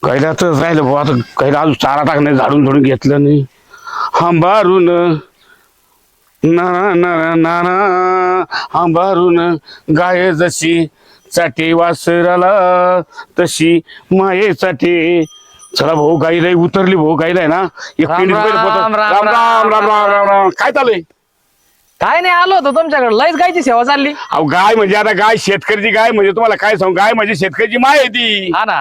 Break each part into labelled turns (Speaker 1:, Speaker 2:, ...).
Speaker 1: कैलातच राहिलं भाऊ. आता कैला अजून चारा टाकणे झाडून झोडून घेतलं नाही. हंबारून ना ना ना ना हंबारून गाय जशी साठी वासराला तशी मायेसाठी. चला भाऊ गाई लई उतरली भाऊ. गाईला आहे ना एक
Speaker 2: राम
Speaker 1: पिंडी पहिले पोतं.
Speaker 2: राम, राम
Speaker 1: राम राम राम राम राम राम. काय चाललंय?
Speaker 2: काय नाही, आलो होतो तुमच्याकडे. लयच गायची सेवा चालली.
Speaker 1: अहो गाय म्हणजे आता गाय शेतकऱ्याची गाय म्हणजे तुम्हाला काय सांगू, गाय म्हणजे शेतकऱ्याची माय आहे ती.
Speaker 2: हा ना.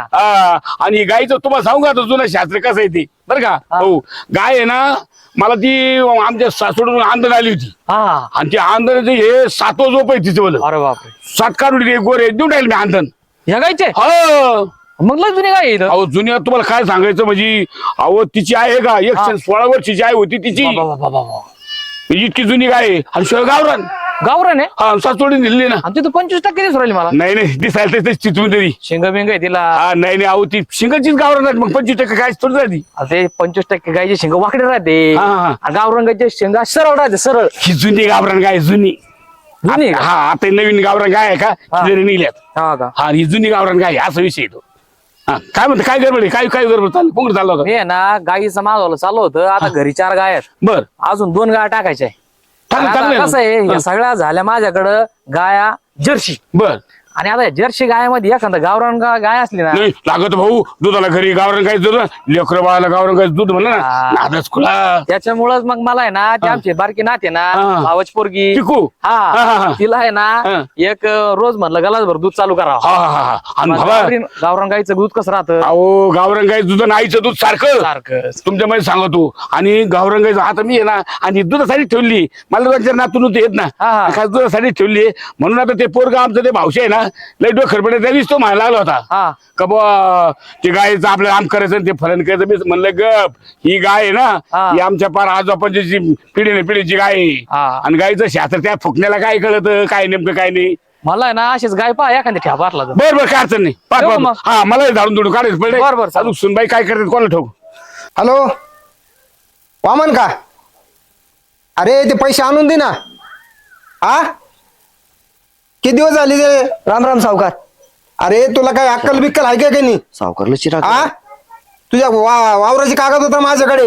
Speaker 1: आणि गायचं तुम्हाला सांगू का जुनं शास्त्र कसं आहे ती बरं का. हो गाय आहे ना मला ती आमच्या सासूडून आंधळ आली होती.
Speaker 2: हा.
Speaker 1: आणि ती आंधळाचं हे 7वं झोप आहे तिचं बोल.
Speaker 2: अरे बापरे.
Speaker 1: 7 काढून गोरे देऊन राहील मी आंधण.
Speaker 2: ह्या गायचे
Speaker 1: हो
Speaker 2: मग लय जुनी गाय आहे इथं.
Speaker 1: अहो जुन्यात तुम्हाला काय सांगायचं म्हणजे अहो तिची आहे का 116 वर्षाची आई होती तिची.
Speaker 2: बाबा.
Speaker 1: इतकी जुनी गाय आहे. आणि शिवाय गावरान
Speaker 2: गावरान आहे.
Speaker 1: हा सासोडून दिली ना.
Speaker 2: आणि तिथं 25% दिसून राहिली मला.
Speaker 1: नाही नाही दिसायला तशी तुम्ही तरी.
Speaker 2: शेंग बिंग आहे तिला.
Speaker 1: हा नाही नाही अहो ती शिंगाचीच गावरान आहे. मग 25% काय थोडी झाली.
Speaker 2: ते 25% गायचे शेंग वाकडे राहते.
Speaker 1: हा, हा.
Speaker 2: आणि गावरान गायचे शेंगा सरळ राहते सरळ.
Speaker 1: ही जुनी गावरान गाय जुनी.
Speaker 2: जुनी आहे का?
Speaker 1: हा आता ही नवीन गावरान गाय आहे का
Speaker 2: हा.
Speaker 1: ती जरी निघल्यात.
Speaker 2: हा का.
Speaker 1: हा ही जुनी गावरान गाय आहे, असा विषय येतो. हा काय म्हणते काय गडबड आहे? काय गडबड चाललं कोण चाललं होतं?
Speaker 2: मी आहे ना गाईचं मागवलं चालू होतं. आता घरी 4 गाय आहेत.
Speaker 1: बर
Speaker 2: अजून 2 गाय टाकायच्या आहे.
Speaker 1: चांगलं
Speaker 2: आता
Speaker 1: चांगलं
Speaker 2: कसं
Speaker 1: आहे.
Speaker 2: आहे या सगळ्या झाल्या माझ्याकडं गाया जर्सी.
Speaker 1: बर
Speaker 2: आणि आता जर्सी गायमध्ये एखादा गावरान गाय असली ना.
Speaker 1: नाही लागत भाऊ दुधाला घरी गावरान गाय दूध लेकर बाळाला गावरान गाय दूध म्हणलं ना
Speaker 2: हा.
Speaker 1: नादच खुला.
Speaker 2: त्याच्यामुळेच मग मला आहे ना ते आमची बारकी नाते ना
Speaker 1: हा.
Speaker 2: भावाची पोरगी.
Speaker 1: चिकू. हा, हा,
Speaker 2: हा
Speaker 1: हा.
Speaker 2: तिला आहे
Speaker 1: हा.
Speaker 2: ना एक रोज म्हणलं गलासभर दूध चालू करावं.
Speaker 1: हा हा हा आणि
Speaker 2: मग
Speaker 1: बाबा
Speaker 2: गावरान गाईचं दूध कसं राहतं
Speaker 1: अहो गावरान गाय दूध आणि आईचं दूध सारखं
Speaker 2: सारखं.
Speaker 1: तुमच्यामध्ये सांगतो. आणि गावरान गायचं आता मी आहे ना आणि दुधासाठी ठेवली. मला 2-4 नातू नव्हते येत ना
Speaker 2: हा.
Speaker 1: खास दुधासाठी ठेवली. म्हणून आता ते पोरग आमचं ते भावशे आहे ना लय डोकर पडे त्या तो म्हणायला लागला होता
Speaker 2: हा.
Speaker 1: का बुवा ते गायचं आपलं आम करायचं आणि ते फलन करायचं. मी म्हणलं गप ही गाय आहे ना
Speaker 2: हा.
Speaker 1: ही आमच्या पार आजोबाची पिढीची गाय आहे.
Speaker 2: हा.
Speaker 1: आणि गायचं शास्त्र त्या फुकण्याला काय कळत काय नेमकं काय नाही.
Speaker 2: मला आहे ना अशीच गाय पहा एखादी ठ्या भरला तर.
Speaker 1: बर बर काय अडचण नाही पाच
Speaker 2: ठेवू
Speaker 1: पाच.
Speaker 2: मग.
Speaker 1: हा मला झाडून धुडून काढायचं पडले.
Speaker 2: बरं, बरं, चालेल.
Speaker 1: अजून सुनबाई काय करतात कोणाला ठेवू.
Speaker 3: हॅलो वामन का? अरे ते पैसे आणून दे ना. हा किती दिवस झाले ते?
Speaker 4: राम राम सावकार.
Speaker 3: अरे तुला काय अक्कल बिक्कल आहे का काही नाही?
Speaker 4: सावकारला चिराग.
Speaker 3: हा तुझ्या वावराची कागद होता माझ्याकडे.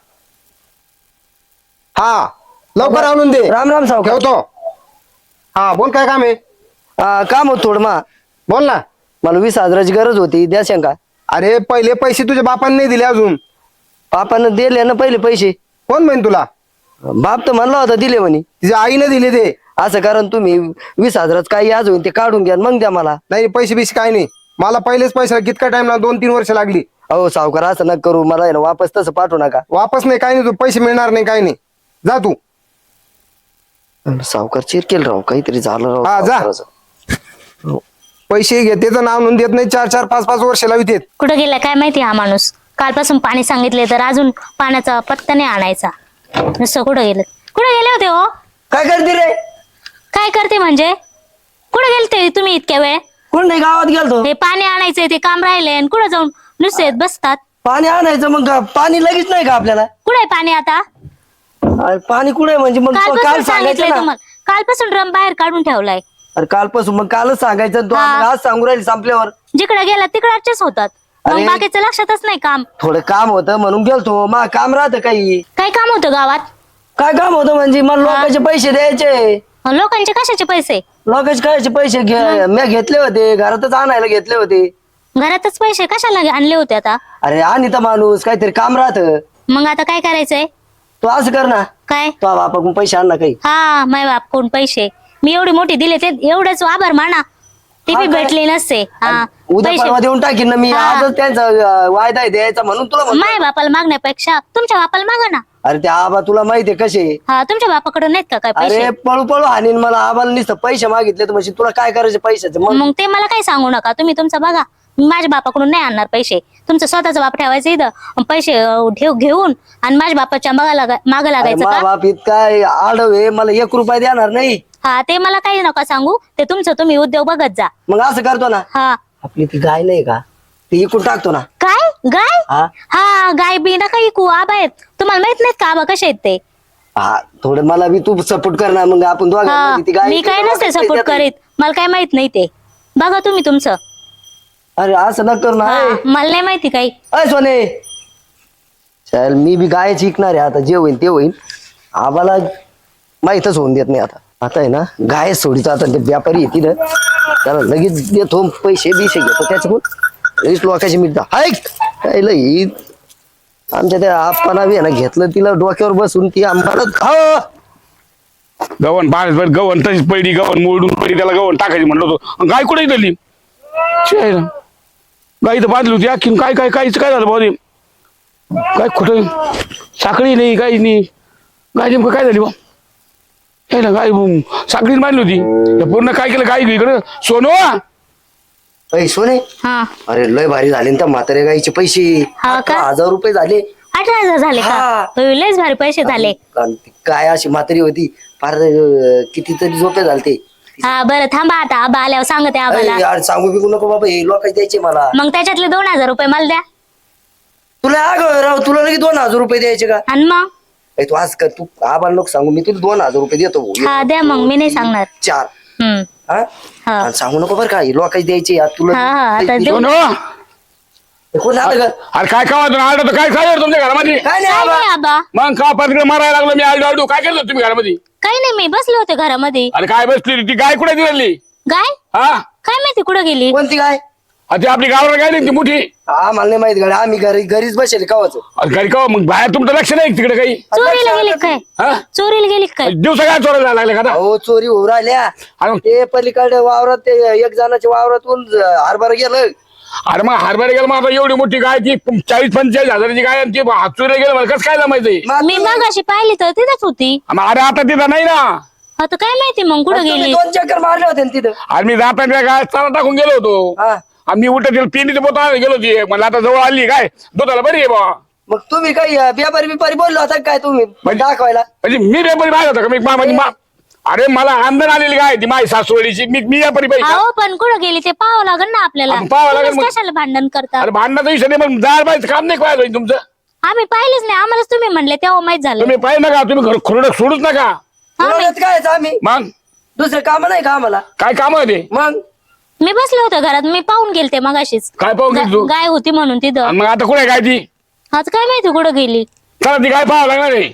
Speaker 3: हा लवकर आणून दे.
Speaker 4: राम राम सावकार.
Speaker 3: ठेवतो. हा बोल काय काम आहे?
Speaker 4: काम होत थोडं मा.
Speaker 3: बोल ना.
Speaker 4: मला 20,000ची गरज होती, द्या शंका.
Speaker 3: अरे पहिले पैसे तुझ्या बापाने नाही दिले अजून.
Speaker 4: बापानं दिले ना पहिले पैसे.
Speaker 3: कोण म्हणे तुला?
Speaker 4: बाप तर म्हणला होता दिले म्हणे.
Speaker 3: तिच्या आईने दिले ते.
Speaker 4: असं कारण तुम्ही 20,000च काही आज होईल ते काढून घ्या मग द्या मला.
Speaker 3: नाही पैसे बिसे काय नाही. मला पहिलेच पैसा कितका टाइम ना 2-3 वर्ष लागली.
Speaker 4: अहो सावकार असं नका करू, मला आहे ना वापस तसं पाठवू नका.
Speaker 3: वापस नाही काय नाही. तू पैसे मिळणार नाही काय नाही. जा तू.
Speaker 4: सावकार चिरकेल राव, काहीतरी झालं राव.
Speaker 3: हा, जा.
Speaker 4: सावकाराचं.
Speaker 3: पैसे घेते नाव नोंद देत नाही. 4-4 5-5 वर्ष लावित.
Speaker 5: कुठं गेला काय माहिती हा माणूस. कालपासून पाणी सांगितले तर अजून पाण्याचा पत्ता नाही आणायचा. नुसतं कुठं गेले होते हो?
Speaker 4: काय करते रे?
Speaker 5: काय करते म्हणजे कुठं गेलते तुम्ही इतक्या वेळ?
Speaker 4: कोण नाही गावात गेलतो.
Speaker 5: हे पाणी आणायचंय ते काम राहिले आणि कुठं जाऊन नुसते बसतात.
Speaker 4: पाणी आणायचं मग पाणी लगेच नाही का आपल्याला?
Speaker 5: कुठे पाणी आता?
Speaker 4: अरे पाणी कुठे म्हणजे मग
Speaker 5: कालपासून
Speaker 4: काल
Speaker 5: सांगितलंय
Speaker 4: सांगायचं ना.
Speaker 5: तुम्हाला. कालपासून ड्रम बाहेर काढून ठेवलाय.
Speaker 4: अरे कालपासून मग कालच सांगायचं. तू
Speaker 5: हा.
Speaker 4: आम्हाला आज सांगू राहील संपल्यावर.
Speaker 5: जिकडे गेला तिकडचेच होतात. मग
Speaker 4: अरे.
Speaker 5: बाकीचं लक्षातच नाही काम.
Speaker 4: थोडं काम होतं म्हणून गेलतो. मा काम राहतं काही.
Speaker 5: काय काम होतं गावात?
Speaker 4: काय काम होतं म्हणजे मला लोकांचे पैसे द्यायचे.
Speaker 5: लोकांचे कशाचे पैसे?
Speaker 4: लोकांचे कायचे पैसे मी घेतले होते, घरातच आणायला घेतले होते.
Speaker 5: घरातच पैसे कशाला आणले होते आता?
Speaker 4: अरे आणि तर माणूस काहीतरी काम राहत.
Speaker 5: मग आता काय करायचंय?
Speaker 4: तू असं कर ना,
Speaker 5: काय?
Speaker 4: तो बापाकडून पैसे आण ना काही.
Speaker 5: हा माय बाप कोण पैसे मी एवढी मोठी दिले ते एवढंच आभार माना. ते
Speaker 4: हा
Speaker 5: बी
Speaker 4: काय?
Speaker 5: भेटले नसते. हा
Speaker 4: उद्या
Speaker 5: पैसे
Speaker 4: परवा देऊन टाकीन ना मी.
Speaker 5: हा.
Speaker 4: आजच त्यांचा वायदा आहे द्यायचा म्हणून तुला म्हणतो.
Speaker 5: माय बापाला मागण्यापेक्षा तुमच्या बापाला मागा ना.
Speaker 4: अरे ते आबा तुला माहितीये कसे.
Speaker 5: हा तुमच्या बापाकडे नाहीत का काय पैसे?
Speaker 4: अरे पळू पळू हानीन मला. आबाला नुसतं पैसे मागितले तर म्हणजे तुला काय करायचे पैशाचे मग.
Speaker 5: मग ते मला काही सांगू नका. तुम्ही तुमचं बघा. मी माझ्या बापाकडून नाही आणणार पैसे. तुमचं स्वतःचा बाप ठेवायचं इथं पैसे घेऊन आणि माझ्या बापाच्या मागं
Speaker 4: अरे
Speaker 5: लागायचं
Speaker 4: मा
Speaker 5: का?
Speaker 4: बाप इतका आडव आहे, मला 1 रुपया देणार नाही.
Speaker 5: हा ते मला काही नका सांगू. ते तुमचं तुम्ही उद्योग बघत जा.
Speaker 4: मग असं करतो ना.
Speaker 5: हा
Speaker 4: आपली ती गाय नाही का, ती इकून टाकतो ना.
Speaker 5: काय गाय?
Speaker 4: हा
Speaker 5: हा गाय बी नका इकू. आबा आहेत. तुम्हाला माहित नाहीत का आबा कसे आहेत ते?
Speaker 4: हा थोडं मला बी तू सपोर्ट कर ना. मग आपण
Speaker 5: हा
Speaker 4: दोघांमध्ये ती गाय
Speaker 5: मी काय नसते सपोर्ट करीत. मला काय माहित नाही ते. बघा तुम्ही तुमचं.
Speaker 4: अरे असं न करू ना.
Speaker 5: हा, मला नाही माहिती काही.
Speaker 4: अय सोने, चल मी बी गायच शिकणार आहे आता. जे होईल ते होईल. आम्हाला माहीतच होऊन देत नाही आता. आता आहे ना गाय सोडीचा आता ते व्यापारी येते ना त्याला लगेच देतो पैसे बिशे घेतो त्याच्याकडून लगेच लोकांची मिळतं. ऐक काय लई आमच्या त्या आप्पाला बी आहे ना घेतलं तिला डोक्यावर बसून ती आम्हाला
Speaker 1: गव्हाण बाहेर गव्हाण तशीच पडली, गव्हाण मोडून पडली, त्याला गव्हाण टाकायची म्हणलं होतो. गाय कुठे दिली गाई तर बांधली होती अख्खीन. काय काय काहीच काय झालं भाऊ काय कुठं साखळी नाही काही नाही. गाय नेमकं काय झाली बा ना गाय साखळीच बांधली होती. त्या पूर्ण काय केलं गाय इकडं सोनो.
Speaker 4: अय सोने,
Speaker 5: हा,
Speaker 4: अरे लय भारी झाले ना त्या म्हाताऱ्या गाईचे पैसे.
Speaker 5: हा का?
Speaker 4: 1000 रुपये झाले.
Speaker 5: 18,000 झाले का?
Speaker 4: हा.
Speaker 5: लयच भारी पैसे झाले.
Speaker 4: कारण ती काय अशी म्हातारी होती फार कितीतरी झोपे झालते.
Speaker 5: हा बरं थांबा आता आबा आल्यावर सांगते आबाला.
Speaker 4: यार सांगू बिकू नको बाबा, हे लोकांचे द्यायचे मला.
Speaker 5: मग त्याच्यातले 2,000 रुपये मला द्या.
Speaker 4: तुला राव तुला लगेच 2000 रुपये द्यायचे का?
Speaker 5: आणि मग
Speaker 4: तू आज कर, तू आबाला नको सांगू, मी तुला 2000 रुपये देतो भाऊ.
Speaker 5: हा द्या मग, मी नाही सांगणार.
Speaker 4: 4.
Speaker 5: हम्म.
Speaker 4: हा?
Speaker 5: हा
Speaker 4: आणि सांगू नको बरं का, हे लोकांचे द्यायचे यार तुला.
Speaker 5: हा, हा, आता देऊ.
Speaker 1: सोनो
Speaker 4: हे कोण राहतं का?
Speaker 1: अरे काय खावा आलतो काय खायला तुमच्या घरामध्ये?
Speaker 4: काय नाही
Speaker 5: काय
Speaker 4: आबा.
Speaker 5: नाही आबा,
Speaker 1: मग का पात्र मारायला लागलो मी आलडू काय केलं तुम्ही घरामध्ये?
Speaker 5: काही नाही, मी बसले होते घरामध्ये.
Speaker 1: अरे काय बसली ती गाय कुठे दिली?
Speaker 5: गाय
Speaker 1: हा
Speaker 5: काय माहिती कुठं गेली.
Speaker 4: कोणती काय?
Speaker 1: ती आपली गावाला गाय नाही ती मोठी.
Speaker 4: हा मला नाही माहित गाडी, आम्ही घरीच बसेल कावाच.
Speaker 1: अरे घरी का मग बाहेर तुमचं लक्ष नाही तिकडे काही?
Speaker 5: चोरीला गेली काय?
Speaker 1: हा
Speaker 5: चोरीला गेली काय?
Speaker 1: दिवसा काय चोरायला लागले का आता?
Speaker 4: हो चोरी होऊ राहिल्या.
Speaker 1: अरे
Speaker 4: ते पलीकडे वावरात ते एक जणाच्या वावरातून हरभरा गेलं.
Speaker 1: अरे मग हरभरे गेलं मग आता एवढी मोठी गाय ती 40-45 हजाराची गाय आणि ती चोरीला गेलं मला कसं काय माहिती?
Speaker 5: मी मगाशी पाहिली तर तिथंच होती.
Speaker 1: अरे आता तिथं नाही ना.
Speaker 5: आता काय माहिती मग कुठं गेली.
Speaker 4: 2 चक्कर मारले होते ना तिथं.
Speaker 1: अरे मी जाताना गाय चारा टाकून गेलो होतो.
Speaker 4: हा
Speaker 1: आणि मी उठत पिंडीचं बोत गेलो होती. मला आता जवळ आली काय दुधाला बरी आहे बा.
Speaker 4: मग तुम्ही काही व्यापारी बिपारी बोललो होता काय तुम्ही दाखवायला?
Speaker 1: म्हणजे मी व्यापारी बाहेर होता का मी माझी अरे मला आमदार आलेली काय ती माझी सासवडीची मी व्यापारी बाई का?
Speaker 5: अहो पण कुठं गेली ते पाहावं लागेल ना आपल्याला.
Speaker 1: आपण पाहावं लागेल
Speaker 5: तुम्हीच
Speaker 1: मग.
Speaker 5: कशाला भांडण करता.
Speaker 1: अरे भांडणाचा विषय नाही पण जायला पाहिजे काम नाही पाहिजे तुमचं.
Speaker 5: आम्ही पाहिलेच नाही, आम्हालाच तुम्ही म्हणले तेव्हा माहित झालं.
Speaker 1: तुम्ही पाहिजे नका तुम्ही घर खुरडं सोडूच नका.
Speaker 4: बोलवण्यात काय आहे आम्ही?
Speaker 1: मग
Speaker 4: दुसरं काम नाही का आम्हाला?
Speaker 1: काय काम आहे ते?
Speaker 4: मग
Speaker 5: मी बसले होते घरात, मी पाहून गेलते मगाशीच.
Speaker 1: काय पाहून गेली तू?
Speaker 5: गाय होती म्हणून तिथं.
Speaker 1: आणि मग आता कुठे काय ती?
Speaker 5: आज काय माहिती कुठं गेली.
Speaker 1: चला ती काय पाहावं लागणार आहे.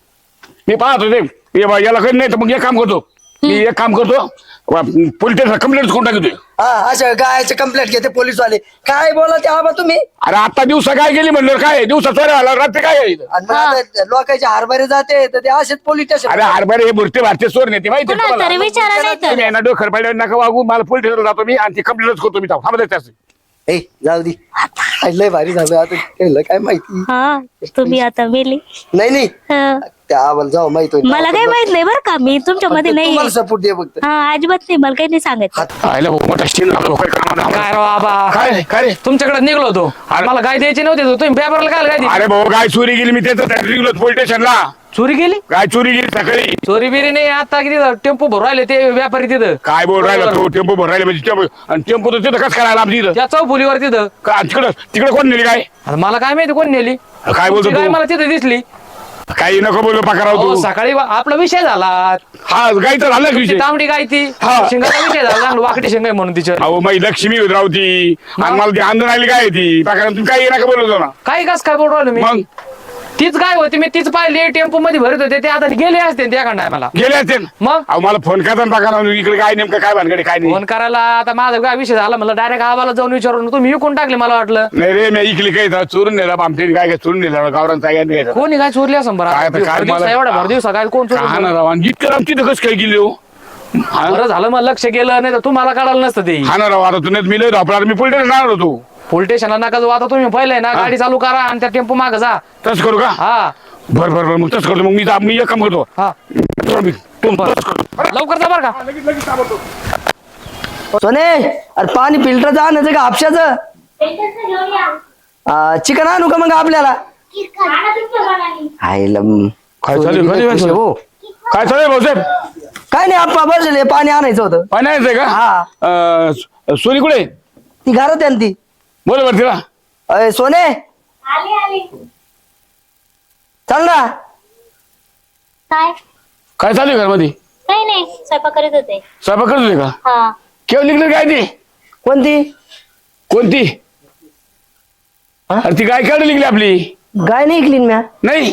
Speaker 1: मी पाहतो ते याला काही नाही तर मग एक काम करतो. मी एक काम करतो पोलीस स्टेशनला कंप्लेंट करून टाकतोय.
Speaker 4: हा अशा गायचे कंप्लेंट घेते पोलीस वाले. काय बोला ते आबा तुम्ही?
Speaker 1: अरे आता दिवसा काय गेली म्हणलं काय दिवसा चोऱ्या आला रात्री काय आहे इथं?
Speaker 4: आणि मग आता लोकांचे हरभरे जाते तर ते असेच पोलीस स्टेशन.
Speaker 1: अरे हरभरे हे मूर्ती भारतीय चोर नेते माहिती आहे
Speaker 5: कुणाला तरी
Speaker 1: तुम्हाला?
Speaker 5: विचारा नाही तर.
Speaker 1: तुम्ही यांना डोकर पाहिजे नका वागू मला पोलीस स्टेशनला जातो मी आणि ती कंप्लेंट करतो मी थांबत
Speaker 4: ए जाऊ दे. लय भारी झालं आता केलं काय माहिती.
Speaker 5: हा तुम्ही आता मेली.
Speaker 4: नाही
Speaker 5: हा.
Speaker 4: त्या आम्हाला जाऊ माहित होईल.
Speaker 5: मला काही माहित नाही बरं का, मी तुमच्या मध्ये नाही.
Speaker 4: तुम्हाला सपोर्ट दे फक्त.
Speaker 5: हा अजिबात नाही, मला काही नाही सांगायचं.
Speaker 1: आयला भाऊ मोठा स्टीन लागलो काय कामाला.
Speaker 2: काय राव आबा,
Speaker 1: काय काय रे?
Speaker 2: तुमच्याकडे निघलो होतो. मला गाय द्यायची नव्हती तर तुम्ही पेपरला काय गाय दिली?
Speaker 1: अरे भाऊ गाय चोरी गेली मी त्याचं निघलो पोलीस स्टेशनला.
Speaker 2: चोरी गेली?
Speaker 1: गाय चोरी गेली सकाळी.
Speaker 2: चोरी बिरी नाही, आता किती टेम्पो भरून राहिले ते व्यापारी तिथं.
Speaker 1: काय बोल राहिला तो टेम्पो भर राहिले म्हणजे आणि टेम्पो तर तिथं कसं करायला आमची इथं
Speaker 2: त्या चौफुलीवर तिथं.
Speaker 1: तिकडं तिकडे कोण नेली काय?
Speaker 2: आता मला काय माहिती कोण नेली.
Speaker 1: काय बोलतो
Speaker 2: तुमची गाय
Speaker 1: तू?
Speaker 2: मला तिथं दिसली.
Speaker 1: काही नको बोलू पकाराव
Speaker 2: अहो,
Speaker 1: तू.
Speaker 2: सकाळी आपला विषय झाला.
Speaker 1: हा गाय तर झाला
Speaker 2: ती
Speaker 1: विषय.
Speaker 2: तांबडी गाय ती
Speaker 1: हा.
Speaker 2: शिंगाचा विषय झाला, चांगलं वाकडी शिंग आहे म्हणून तिच्या.
Speaker 1: अहो माझी लक्ष्मी होत राहती आणि मला ती आंदोलन आली काय ती पकारा तुम्ही काही नका बोलतो ना.
Speaker 2: काही कस काय बोलू राहिलो मी?
Speaker 1: मग
Speaker 2: तीच गाय होती, मी तीच पाहिली टेम्पो मध्ये भरत होते ते. आता गेले असते त्या खंडाय मला.
Speaker 1: गेले असते ना.
Speaker 2: मग
Speaker 1: अहो मला फोन करता पकारा इकडे काय नेमकं काय भानगडे काय नाही.
Speaker 2: फोन करायला आता माझा काय विषय झाला, मला डायरेक्ट आबाला जाऊन विचारून तुम्ही विकून टाकले मला वाटलं.
Speaker 1: नाही रे मी इकली काही चोरून नेला आमच्या काय काय चोरून नेला गावरांचा काय नाही
Speaker 2: कोणी काय चोरली असं बरं?
Speaker 1: काय आता काय मला-
Speaker 2: एवढा भर दिवसा काय कोण
Speaker 1: का
Speaker 2: चोरलं?
Speaker 1: ना राव आणि इतकं आमची तर कसं काय गेली हो. हा
Speaker 2: बरं झालं मला लक्ष गेलं, नाही तर तुम्हाला कळालं नसतं ते.
Speaker 1: हा ना राव आता तुम्ही मी लय धापला मी पोलीस जाणार होतो.
Speaker 2: पोलीस स्टेशनला नका जाऊ, आता तुम्ही पहिलंय ना गाडी चालू करा आणि त्या टेम्पो माग जा.
Speaker 1: तसं करू का?
Speaker 2: हा
Speaker 1: बर बर बर मग तसं करतो. मग मी एक काम करतो.
Speaker 2: हा
Speaker 1: तसंच करतो.
Speaker 2: लवकर जा बरं का.
Speaker 4: सोने अरे पाणी फिल्टरचं आणायचं का हापशाचं? चिकन आणू का मग आपल्याला? आईला
Speaker 1: काय चालू आहे?
Speaker 4: हो
Speaker 1: काय चालू आहे भाऊसाहेब?
Speaker 4: काय नाही आप्पा बसले पाणी आणायचं होतं.
Speaker 1: पाणी आहे का?
Speaker 4: हा
Speaker 1: सोनी कुठे?
Speaker 4: ती घरात आहे ना ती.
Speaker 1: बोल बर तिला.
Speaker 4: अय सोने चल ना.
Speaker 5: काय
Speaker 1: काय चालू आहे घरमध्ये?
Speaker 5: काही नाही, स्वयंपाक करीत होते.
Speaker 1: स्वयंपाक करत होते का?
Speaker 5: हा
Speaker 1: केव्हा निघले काय ती?
Speaker 4: कोणती?
Speaker 1: कोणती? अरे ती गाय काढली निघली आपली.
Speaker 4: गाय नाही ऐकली म्या.
Speaker 1: नाही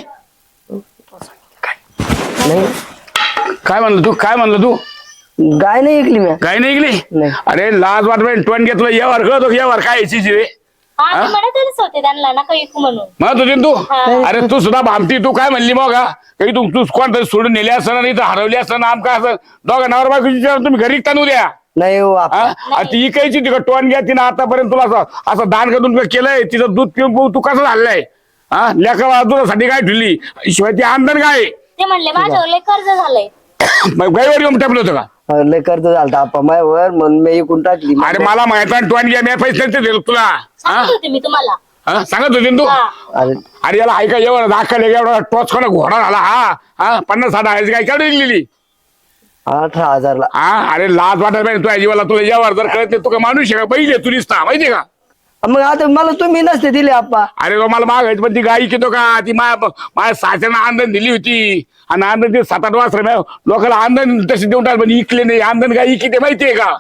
Speaker 4: नाही
Speaker 1: काय म्हणलं तू? काय म्हणलं तू?
Speaker 4: गाय नाही ऐकली म्या.
Speaker 1: गाय नाही निघली?
Speaker 4: नाही.
Speaker 1: अरे लाज वाटत टोन घेतलं यावर कळतो यावर काय याची रे
Speaker 5: हा मी म्हणतच होते त्यांना नका विकू म्हणून.
Speaker 1: म्हणत होती ना तू. अरे तू सुद्धा भामती. तू काय म्हणली मग काही तू कोणतरी सोडून नेले असं नाही तर हरवली असं ना आमका असं दोघं नवर बायकोची तुम्ही घरी ताणू द्या.
Speaker 4: नाही हो
Speaker 1: ती इकायची तिकडे टोन घ्या तिनं आतापर्यंत तुला असं दान करून केलंय. तिचं दूध पिऊन तू कसं झालंय? लेखा दुधासाठी काय ठेवली शिवाय ती आमदार काय
Speaker 5: ते म्हणले माझ्यावर लय कर्ज झालंय.
Speaker 1: गायवर येऊन टाकलं होतं का?
Speaker 4: लय कर्ज झालं आप्पा मायावर म्हणून मी ऐकून टाकली.
Speaker 1: अरे मला माहित आहे टोन घ्या मी पैसे दिले तुला.
Speaker 5: सांगत होते मी तुम्हाला.
Speaker 1: सांगत होती ना तू.
Speaker 4: अरे
Speaker 1: अरे याला ऐका एवढा दाखल एवढा टॉच कोणा घोडा झाला. 50-60 काय काढून दिलेली.
Speaker 4: 18,000ला.
Speaker 1: अरे लाज वाटत पाहिजे तुझ्या जीवाला. तुला यावर जर कळत नाही तू का माणूस आहे का? बैल आहे तू निसता माहितीये का?
Speaker 4: मग आता मला तुम्ही नसते दिले आप्पा.
Speaker 1: अरे तो मला मागायची पण ती गाई घेतो का? ती माझ्या सासऱ्यानं आंदण दिली होती आणि आंदण ते 7-8 वाजता लोकांना आंदण तशी देऊन टाक पण इकले नाही. आंदण गाय इकते माहितीये का?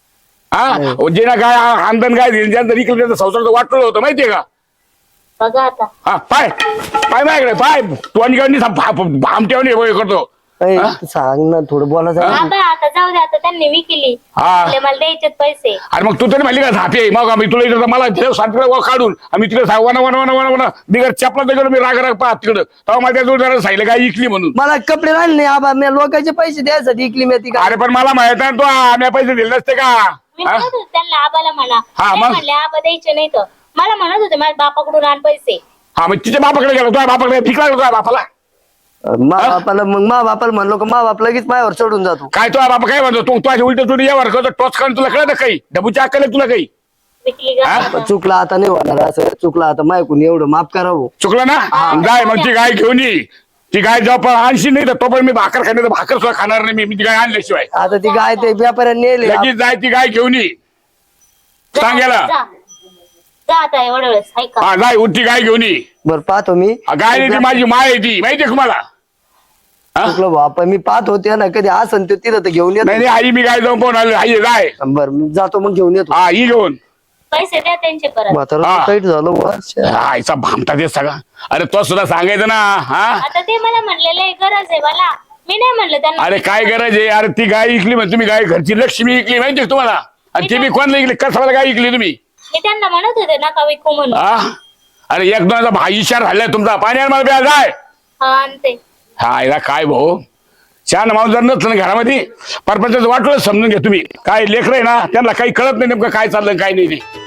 Speaker 1: जे ना गाय आंदण गाय दिली ज्यांचं इकलं त्यांचं संसार वाटलं होतं माहितीये का?
Speaker 5: बघा आता.
Speaker 1: पाय पाय माझ्याकडे पाय तोंडी भामट्यावर करतो.
Speaker 4: ऐ, सांग ना थोडं बोलायचं.
Speaker 5: आता जाऊ दे आता त्यांनी विकली. म्हणले मला द्यायचे पैसे.
Speaker 1: अरे मग तू तरी म्हणली का झापे मग आम्ही तुला इथं मला तिकडे काढून आम्ही तिकडे वना बिगर चपला तिकडे मी राग पाहत तिकडं तेव्हा माझ्या जोडदारानं सांगितलं काय इकली म्हणून.
Speaker 4: मला कपडे राहिले नाही आबा. मी लोकांचे पैसे द्यायसाठी इकली मी ती गाय.
Speaker 1: अरे पण मला माहित आहे तू आम्ही पैसे दिले नसते का?
Speaker 5: मी म्हणत होते त्यांना आबाला म्हणा.
Speaker 1: हा,
Speaker 5: ते
Speaker 1: मग?
Speaker 5: म्हणले आबा द्यायचे नाही तर. मला म्हणत होते माझ्या बापाकडून आण पैसे.
Speaker 1: मग तिच्या बापाकडे गेलो तुझ्या बापाकडे फिकला तुझ्या बापाला.
Speaker 4: मा बापाला म्हणलो का मा बाप लगेच माझ्यावर चढून जातो.
Speaker 1: काय तुझ्या बापा काय म्हणतो तू तुझ्या उलट तुला यावर करतो टॉच करून तुला कळत काही डबूच्या अक्कल तुला काही
Speaker 5: विकली का?
Speaker 4: चुकला आता नाही होणार असं. चुकला आता मायकून एवढं माफ करावं.
Speaker 1: चुकलं ना? जाय मग ती गाय घेऊन ये. ती गाय जेव्हा पण आणशी नाही तर तो पण मी भाकर खाणार भाकर सुद्धा खाणार नाही मी ती गाय आणल्याशिवाय.
Speaker 4: आता ती गाय ते व्यापाऱ्यांनी नेले.
Speaker 1: लगेच जाय ती गाय घेऊन ये. सांगायला
Speaker 5: जा आता एवढ्या वेळेस ऐका.
Speaker 1: जाय उठती गाय घेऊन ये.
Speaker 4: बरं पाहतो मी.
Speaker 1: गाय नाही ती माझी माय आहे ती माहितीये का मला?
Speaker 4: चुकलो बापा. मी पाहत होते ना कधी असं ते तिथं तर घेऊन येतो.
Speaker 1: नाही नाही आई मी गाय जाऊन पाहून आलो. आई जाय.
Speaker 4: बरं मी जातो मग घेऊन येतो.
Speaker 1: ही घेऊन.
Speaker 5: पैसे द्या त्यांचे परत.
Speaker 4: म्हातारा टाईट झालं वर्ष.
Speaker 1: आईचा भामटा ते सगळा. अरे तो सुद्धा सांगायचं ना.
Speaker 5: आता ते मला म्हणलेलं गरज आहे मला. मी नाही म्हणलं त्यांना.
Speaker 1: अरे काय गरज आहे? अरे ती गाय इकली म्हणजे तुम्ही गाय घरची लक्ष्मी इकली माहितीये का तुम्हाला? आणि ती बी कोणाला इकली कसाला गाय इकली तुम्ही?
Speaker 5: मी त्यांना म्हणत होते नका विकू म्हणून.
Speaker 1: अरे एक दोनचा भाई इशार झालाय तुमचा. पाण्यावर मला प्या जाय.
Speaker 5: हा आणते.
Speaker 1: याला काय भाऊ छान माणूस जर नसलं ना घरामध्ये परपंचाचं वाटलं समजून घ्या तुम्ही. काय लेकरं आहे ना त्यांना काही कळत नाही नेमकं काय चाललं काय नाही ते.